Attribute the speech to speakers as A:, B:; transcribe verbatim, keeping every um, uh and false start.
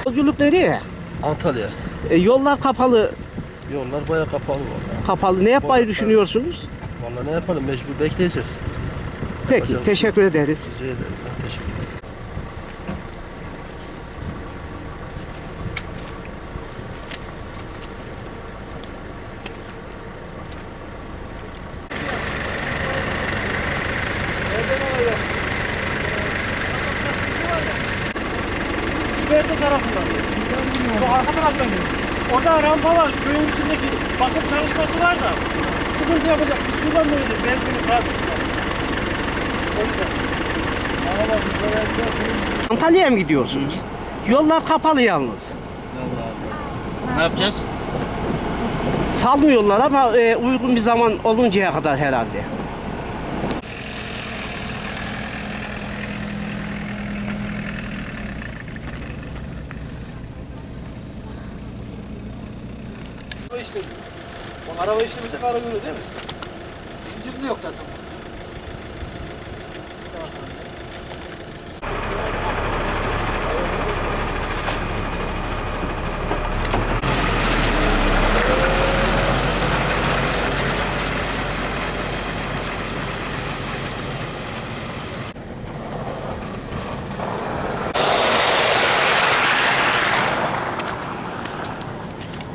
A: Yolculuk nereye?
B: Antalya.
A: E, yollar kapalı.
B: Yollar bayağı kapalı vallahi.
A: Kapalı. Ne yapmayı
B: Vallahi-
A: düşünüyorsunuz?
B: Vallahi ne yapalım, mecbur bekleyeceğiz.
A: Peki,
B: Yapacak bir şey
A: teşekkür ederiz.
B: Rica ederim. Ben teşekkür ederim.
C: Siberte tarafından. Bu arka taraftan geliyor. Orada rampa var. Köyün içindeki bakım çalışması var da sıkıntı yapacak. Biz şuradan döneceğiz. Belki karşısında. O yüzden.
A: Antalya'ya mı gidiyorsunuz? Yollar kapalı yalnız.
D: Ne yapacağız?
A: Salmıyorlar ama e, uygun bir zaman oluncaya kadar herhalde.
C: Araba işlemi. O araba işlemi tek ara görüyor değil mi? Zincirli yok zaten. Tamam.